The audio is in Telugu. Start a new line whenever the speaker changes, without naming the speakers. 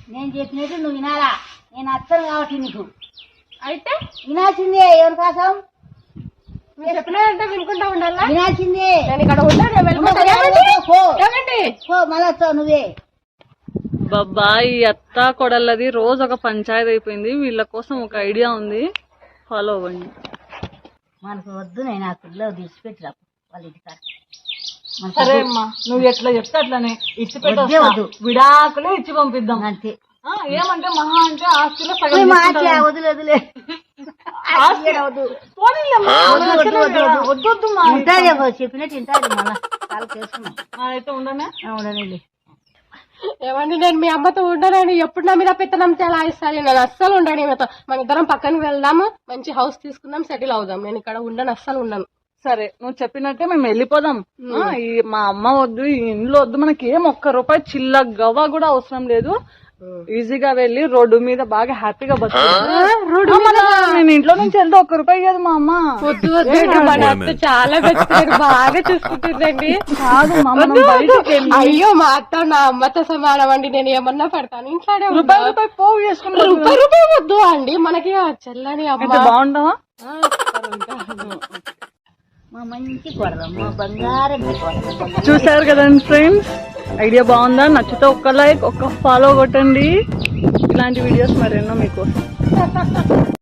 నేను చెప్పినట్టు నువ్వు వినాలా. నేను అత్తను కాబట్టి నీకు
అయితే
వినాల్సిందే. ఎవరి కోసం
మీరు చెప్పినారంటే వినుకుంటా ఉండాలా?
వినాల్సిందే.
నేను ఇక్కడ ఉంటాను,
మళ్ళా వస్తావు నువ్వే.
బాబా ఈ అత్త కొడలది రోజు ఒక పంచాయతీ అయిపోయింది. వీళ్ళ కోసం ఒక ఐడియా ఉంది, ఫాలో అవ్వండి.
మనకు వద్దు, నేను ఆ పిల్లలు తీసిపెట్టి రాపు వాళ్ళ ఇంటికాడ.
సరే అమ్మా, నువ్వు ఎట్లా చెప్తే అట్లనే ఇచ్చి
వద్దు.
పెట్టు, విడాకులే ఇచ్చి పంపిద్దాం.
అంతే.
ఏమంటే మహా అంటే ఆస్తిలో సగం తీసుకుంటాం.
వదిలే వదిలే
వద్దు
చెప్పినట్టు ఇంటాడు. మళ్ళా చాలా చేసుకున్నాం.
అయితే ఉండనే
ఉండనండి.
ఏమండి నేను మీ అమ్మతో ఉండనండి. ఎప్పుడు నా మీద పెత్తనం చెలాయిస్తాను. నేను అస్సలు ఉండను ఈమెతో. మన ఇద్దరం పక్కనకి వెళ్దాము, మంచి హౌస్ తీసుకుందాం, సెటిల్ అవుదాం. నేను ఇక్కడ ఉండను, అస్సలు ఉండను.
సరే నువ్వు చెప్పినట్టే మేము వెళ్ళిపోదాం. ఈ మా అమ్మ వద్దు, ఈ ఇంట్లో వద్దు, మనకి ఏం ఒక్క రూపాయి చిల్ల గవ్వ కూడా అవసరం లేదు. ఈజీగా వెళ్ళి రోడ్డు మీద బాగా హ్యాపీగా నేను ఇంట్లో నుంచి వెళ్తే ఒక్క రూపాయి కాదు మా అమ్మ.
వద్దు వద్దు, మన అత్త చాలా బెస్ట్, బాగా చూసుకుంటుందండి.
కాదు మా అమ్మ, బయటికి వెళ్ళి
అయ్యో మా అత్త నా అమ్మతో సమానం అండి. నేను ఏమన్నా పెడతాను ఇంట్లోనే.
రూపాయి పోగు చేసుకుంటా.
రూపాయి వద్దు అండి, మనకి చెల్లని అమ్మ.
బాగుంటావా?
మా మంచి కొడదాం, మా బంగారం
చూసారు కదండి ఫ్రెండ్స్, ఐడియా బాగుందా? నచ్చితే ఒక్క లైక్, ఒక్క ఫాలో కొట్టండి. ఇలాంటి వీడియోస్ మరెన్నో మీకోసం.